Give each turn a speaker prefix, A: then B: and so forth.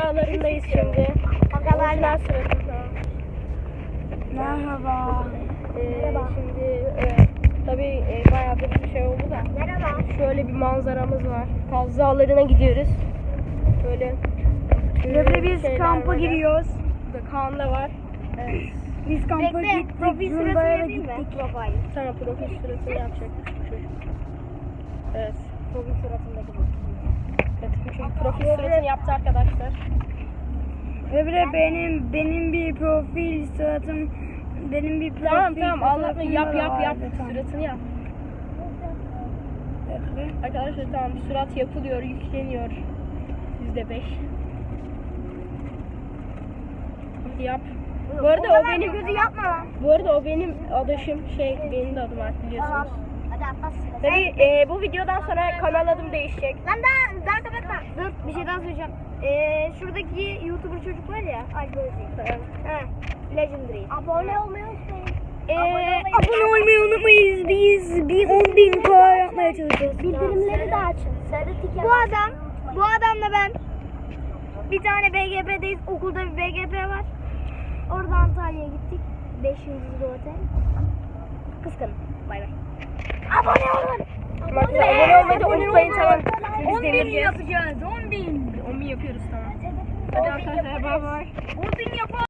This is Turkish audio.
A: agalarındayız şimdi. Agalar sırasında.
B: Merhaba.
A: Şimdi tabii bayağıdır bir şey oldu da.
B: Merhaba.
A: Şöyle bir manzaramız var. Kaz Dağları'na gidiyoruz. Böyle
B: Ve biz
A: şeyler
B: kampa
A: böyle.
B: giriyoruz.
A: Burada Kaan da var. Evet.
B: Biz kampa gittik.
A: Profil
B: Zunda'ya
A: sırası
B: da
A: değil mi?
B: gittik.
A: Tamam, profil sırasını yapacak çocuk. Evet.
B: Profil suratındaki bu.
A: Evet, çünkü profil sırasını yaptı arkadaşlar.
B: Öbürü benim bir profil suratım. Benim bir profil
A: Tamam anlatma,
B: fotoğrafım
A: yap
B: da vardı. Tamam.
A: suratını yap.
B: Öbürü.
A: Arkadaşlar tamam, surat yapılıyor, yükleniyor. %5. Hadi yap. Bu arada o benim
B: gözü yapma lan.
A: Bu arada o benim adaşım, benim de adım artık biliyorsunuz.
B: Hadi atlas.
A: Tabii bu videodan sonra kanal adım değişecek.
B: Lan daha kapatma. Dur bir şey daha söyleyeceğim. Şuradaki YouTuber çocuk var ya. Algoritmi. Legendary. Abone olmayı unutmayın. Abone olmayı unutmayın. Biz 10.000 yapmaya çalışıyoruz.
C: Bildirimleri de açın.
B: Bu adamla ben bir tane BGP'deyiz. Okulda bir BGP var. Orada Antalya'ya gittik. 5 yıldızlı otel. Kıskanın. Bay bay. Abone olun.
A: Abone olmayı da unutmayın, tamam. Biz
B: 10.000
A: devireceğiz.
B: yapacağız. 10.000.
A: 10.000 yapıyoruz, tamam. Hadi arkadaşlar, bay bay.
B: 10.000 yapalım.